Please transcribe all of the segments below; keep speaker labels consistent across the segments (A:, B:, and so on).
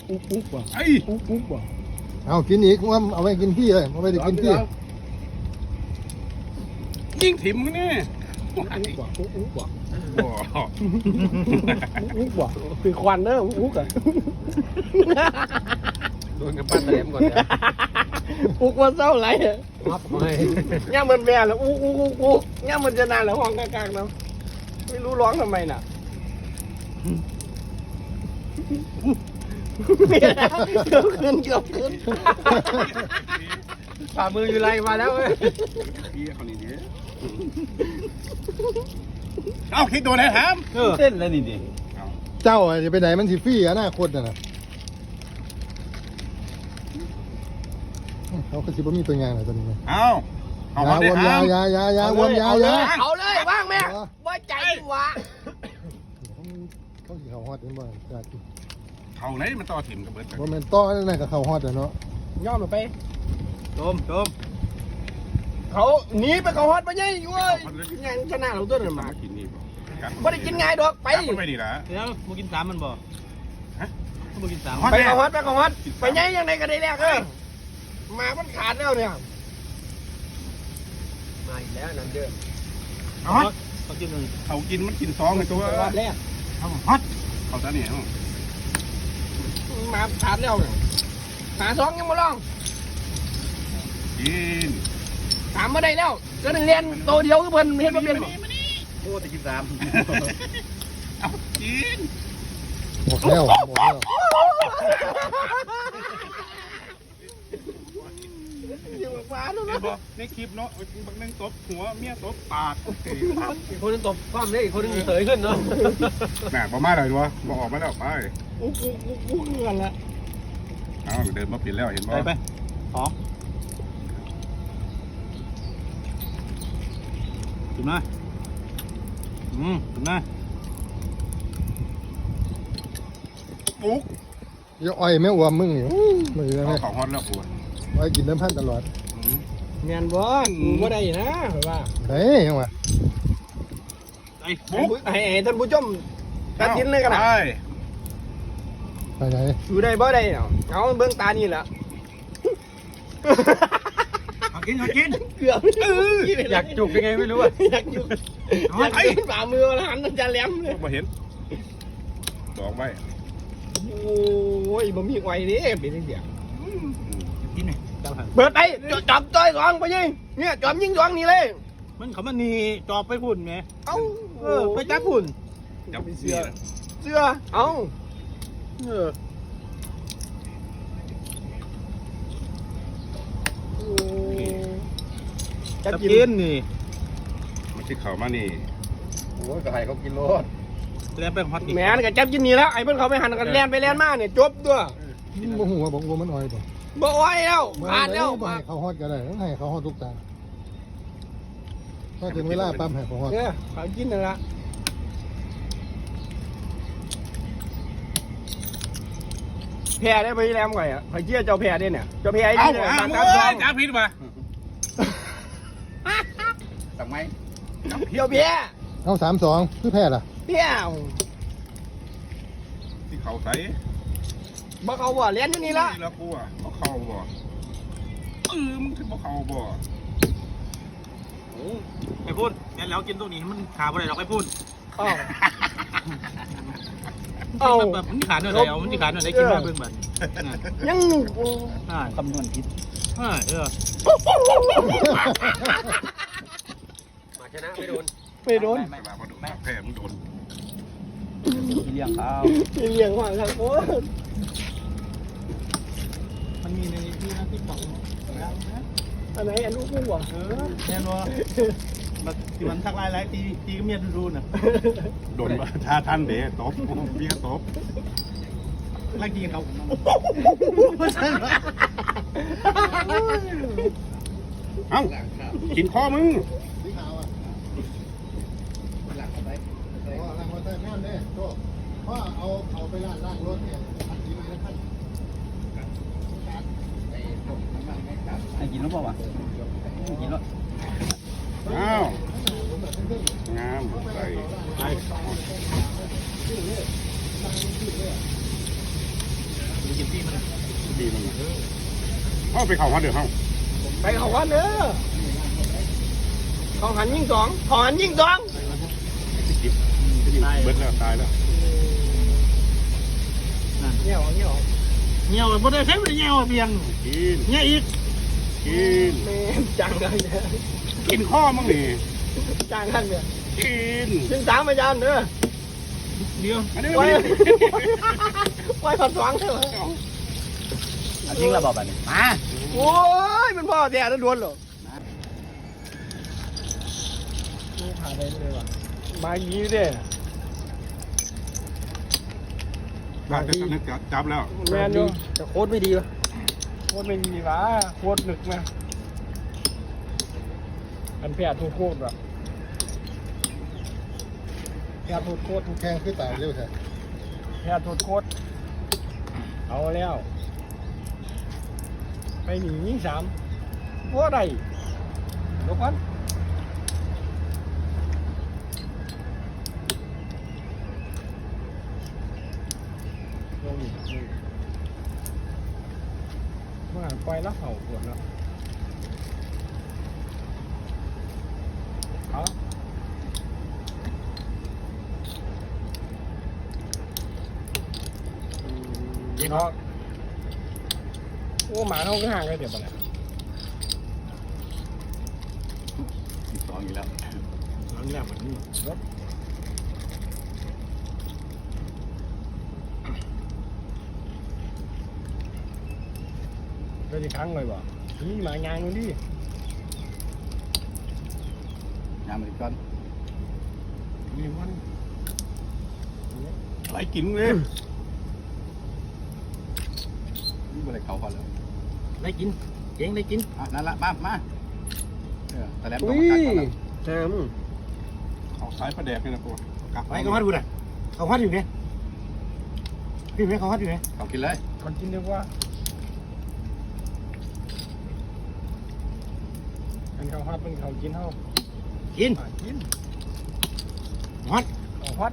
A: อุ๊บว่ะไอ้อุ๊บว่ะ
B: เอากินอีกว่าเอาไว้กินพี่เลยเอาไว้ได้กินพี่
C: ยิงถิ่มนี่
A: อุ๊บว่ะอุ๊บว่ะอุ๊บว่ะคือควันเนอะอุ๊บอ่ะ
C: โดนกับปั้นแหลมก่อนนะ
A: อุ๊บว่าเศร้าไรอ่ะ
C: มับไม่
A: ย่ามันแม่แล้วอุ๊บย่ามันจะนานแล้วห้องกลางๆเนาะไม่รู้ร้องทำไมน่ะเกือบขึ้น
C: ฝ่ามืออยู่ไรมาแล้วเว้ยพี่คนนี้ดิเอาคิดโดนไหนถาม
A: เต้นแล้วนี่ดิ
B: เจ้าจะไปไหนมันสิฟรี่อนาคตน่ะเขาคือสิบ่มีตัวงานอะไรตัวนี้
C: เอา
B: วมยาวมยา
A: เอาเลยว่างแม่ว่าใจวะ
B: เขาสิเขาฮอดเป็นบ่จ้าจิ
C: เขาไหนมันต่อถิ่มกับเบิร์ด
B: บ่แม่นต่อนั่นก็เขาฮอดเนาะ
A: ย่อมลงไปโจมเขาหนีไปเขาฮอดไปยัยอยู่เว้ยงานชนะเราตัวนั้นมา
C: กินนี่
A: บ่ได้กินง่ายดอกไป
C: ไปนี่ละ
D: เดี๋ยวมึงกิน3มันบ่ฮะมึงกิน3
A: ไปเขาฮอดไปยัยยังไงก็ได้แรกมามันขาดแล้วเนี่ยมาอีกแล้วนั่นเด้อ
D: เขากินนึง
C: เขากินมันกิน2ในตัว
A: รอบแรก
C: ฮอตเขาตาเนี่ย
A: มาขาดแล้วหา2ยังมาลอง
C: กิน
A: 3มาได้แล้วก็เรียนโตเดียวคือเพิ่นเฮ็ดบ่เป็นบ่
D: โอ้แต่กิน3
C: เอากิน
B: หมดแล้ว
A: อยู่ฟ้าแล้วนะ
C: ในคลิปเนาะบางนึงตบหัวเมียตบปาก
D: อีกคนนึงตบความเลยอีกคนนึงเสยขึ้นเนาะ
C: แหมบ่มาเลยวะบ่ออกมาแล้วไป
A: อู้เงินละ
C: เอาเดินมาปิดแล้วเห็นบ่
D: ไปขอถึงมาถึงมา
C: ปุ๊ก
B: อย่าอ้อยแม่อวมมึงนี่มือแม่
C: ของฮอตแล้วปวด
B: ไว้กินน้ำพันตลอด
A: แม่นบ่บ่ได้นะว่า
B: เฮ้ยยังวะ
A: ให้ท่านผู้ชมตัดสินเลยกันนะ
B: ไปไหน
A: อยู่ได้บ่ได้เอาเบิ่งตานี่แหละ
D: กิน
A: เกือบ
D: อยากจุกยังไงไม่รู้อ่ะ
A: อยากจุกไอ้ฝ่ามือหันจะแหลมเลย
C: บ่เห็นดอกไว้
A: โอ้ยบ่มีไว้ดิเป็นเสีย
D: กินไหม
A: เปิดไปจับจ้อยสองไปยิงเนี่ยจับยิงสองนี่เลย
D: มันเขามันนี่จอบไปพุ่นไง
A: เอ้า
D: ไปจับพุ่น
C: จับเสื้
A: อเอ้า
D: จะกินนี่
C: มันที่เขามานี่
D: โอ้ยก็ให้เขากินรถแล่นไปฮอต
A: แม่นก็จับกินนี่แล้วไอ้เพิ่นเขาไปหันกันแล่นไปแล่นมาเนี่ยจบตัว
B: บ่ฮู้ว่าบ่มันอ้อย
A: บ่อ้อยแล้วผ่านแล้ว
B: ให้เขาฮอดก็ได้ให้เขาฮอดทุกตาพอถึงเวลาปั๊มให้เขาฮอด
A: เขากินนั่นละแพ้ได้ไปแลมก่อนข่อยเชื่อเจ้าแพ้ได้เนี่ยเจ้าแพ้ไอ้นี่เนี่ย
C: จับผิดมา
D: ทำไม
A: เพียวแพ้
B: เอา3-2คือแพ้ล่ะ
A: เพียว
C: ที่เขาใส่
A: บ่เขาบ่เลี้ยนอยู่นี่ละ
C: แล้วกูอ่ะบ่เขาบ่มึงถึงบ่เขาบ่
D: ไปพูดงั้นแล้วกินตรงนี้มันขาบ่ได้เราไปพูดแบบมันขาหน่อยเดียวมันขาหน่อยได้กินมาเบิ่งบัด
A: ยัง
D: คำนวณผิดมาชนะไม่โดน
A: ไม่โดน
C: แพ้มึงโดน
D: เลี้ยงเขา
A: เลี้ยงว่างครับโอ้
D: มันมีในที่นะที่บอก
A: อันไหนอันลูกกุ้งวะ
D: แน่นอนมันทักลายตีก็เมียดูน่ะ
C: โดนท่าท่านเด้ตบเมียตบ
D: ไล่กินเขา
C: เอ้ากินข้อมึง
B: พ่อเอาไปล้างรถเนี่ย
D: ไอ้กินแล้วเปล่าวะกินแล้ว
C: อ้าวงามใส่
D: กินที่มัน
C: ดีมันเขาไปเขาฮอดเดือดเขา
A: ไปเขาวันเด้อเขาหันยิงสองเขาหันยิงสอง
C: จิบเบิดแล้วตายแล้ว
A: เงี้ยวเงี้ยว
D: เงี้ยวบ่ได้ใช้บ่ได้เงี้ยวเพียง
C: กิน
D: เงี้ยอีก
C: กิน
A: แม่จังกันเนี่ย
C: กินข้อมั้งนี่
A: จังกันเนี่ย
C: กิน
A: ยิงสามอาจารย์เด้อ
D: เดียว
C: อันนี้
A: ไว้
C: มัน
A: ไว้ผัดสองเถอะ
D: จริงระบอกแบบนี้มา
A: โอ้ยมันพ่อแต่แล้วดวนหรอนี่ผ่านไปเลยว่ะมาอย่างนี้เด้
C: บ้านจะนึกจับแล้ว
A: แมนอยู่แต่โคตรไม่ดีวะโคตรไม่ดีวะโคตรหนึกนะอันแพ้ทุกโคตรว่ะแพ้ทุกโคตร
B: แข่งคือตายเร็วแท้
A: แพ้ทุกโคตรเอาแล้วไปหนียิงสามวัวใดยกพันลงอีกเมื่อปล่อยแล้วเห่าปวดแล้วเอายิงเขาโอ้หมาเขาก็ห่างกันเดี๋ยวไปเลย
C: สองอีกแล้ว
A: หลังแรกมันนี่รถก็จะค้างเลยบ่นี่หมางานนู่นดิ
C: ยามมันก่อน
A: นี่มัน
C: ไหลกินเลยนี่อะไรเขาก่อนเลย
D: ได้กินเก่งได้กิน
C: นั่นละมาแต่แล้ว
A: อุ้ยแซม
C: เอาสายประแดกนี่นะพวกกลับ
D: ไปเขาฮัดดูหน่อยเขาฮัดอยู่ไงพี่แม่เขาฮัดอยู่ไง
C: เขากินเลย
A: คนกินดีกว่าอันเขาฮอดเป็นเขากินเท่า
D: กิน
A: กิน
D: ฮัด
A: เขาฮอด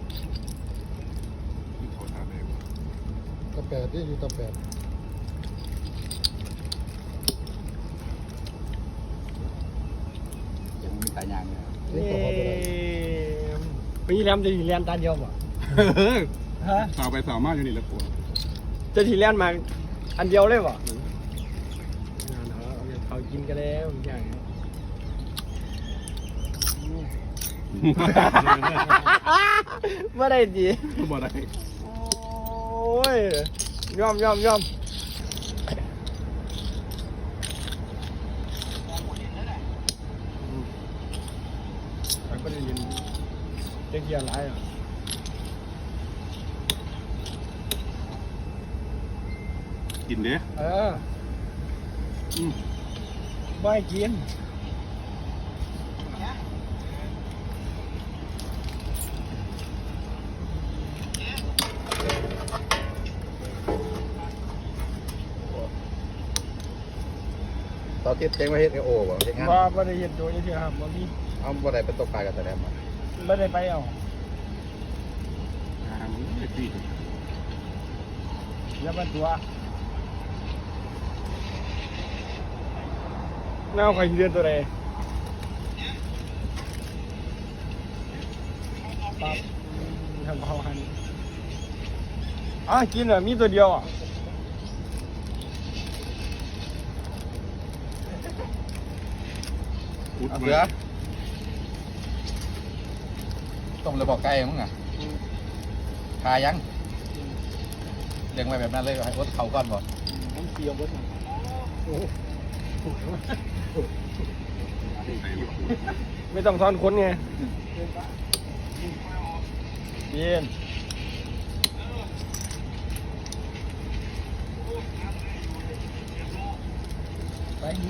C: เขาทานเอง
B: ตะแปดที่อยู่ตะแปด
C: ยังมีตายางเลย
B: เล่นก็พอไปได้
A: ปีแรมจะถีแลนตาเดียวบ่ฮะ
C: สาวไปสาวมาอยู่นี่แหละปวด
A: จะถีแลนมาอันเดียวเลยบ่เขากินกันแล้วอย่างนี้เมื่อไรดี
C: บ่ได้
A: โอ้ยยอมไปก็ได้ยินเจ๊เกียร์ไรอ่ะ
C: กินเด้
A: ไม่กิน
B: ตอนที่เจ๊งมาเฮ็ดโอ้บ่เฮ็ดงาน
A: ว่าไม่ได้เห็นโดยที่ครับว่ามี
B: เอาบ่ได้ไปตกปลากับแต่แล้วมา
A: ไม่ได้ไปเอา
C: มันไม่ตี
A: แล้วมันตัวแนวใครเรียนตัวใดปั๊บทำเขาหันกินเหรอมีตัวเดียวอ่ะ
C: เอาเสือ
B: ต้มเลยบอกไก่มึงอ่ะคายังเลี้ยงไว้แบบนั้นเลยให้อดเขาก่อนบ่
A: ผมเสียวเบิดไม่ต้องทอนคนไงเย็นไปนี้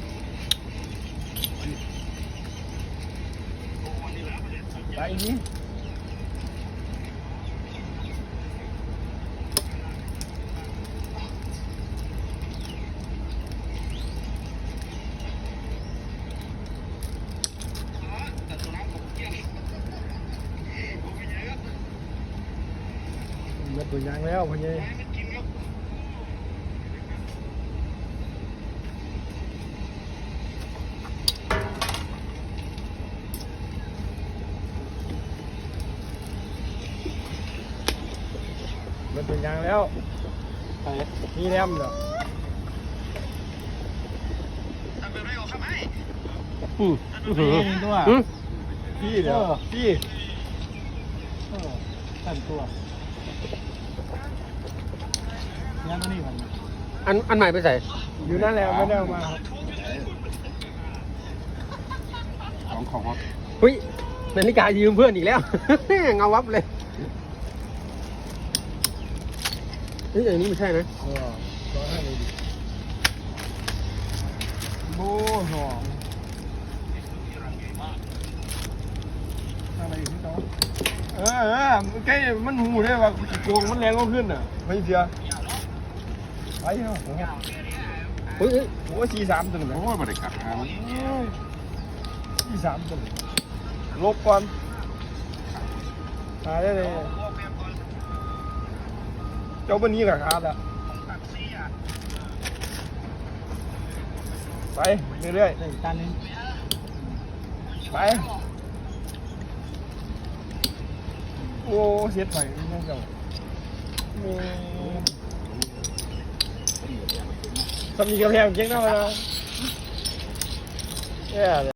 A: ไปนี้มาตัวยางแล้วพ่อใหญ่เป็นยางแล้วนี่แนมเหรอ
D: นี่ตัวพี่เดี๋ยวพี่ตันตัวย่างตัวนี้มัน
A: อันใหม่ไปใส่อยู่นั่นแหละไม่ได้เอามาครับ
C: ของครับ
A: เฮ้ยนาฬิกายืมเพื่อนอีกแล้ว เงาวับเลยเฮ้ยอันนี้ไม่ใช่นะโบ้หอมอะไรอยู่ที่โต๊ะใกล้มันหูได้ว่าโกงมันแรงก็ขึ้นอ่ะไม่เสียไปเถอะเฮ้ยโอ้43ตัวหนึ่ง
C: โอ้ยบริการ
A: 43ตัวลบก่อนตายได้เลยเจ้าบันนี้กับขาดอ่ะไปเรื่อย
D: ได้ตันนึง
A: ๆไปโอ้เสียถอยนี่เจ้าทำมีกระเพงเจ๊งเท่าไหร่นะ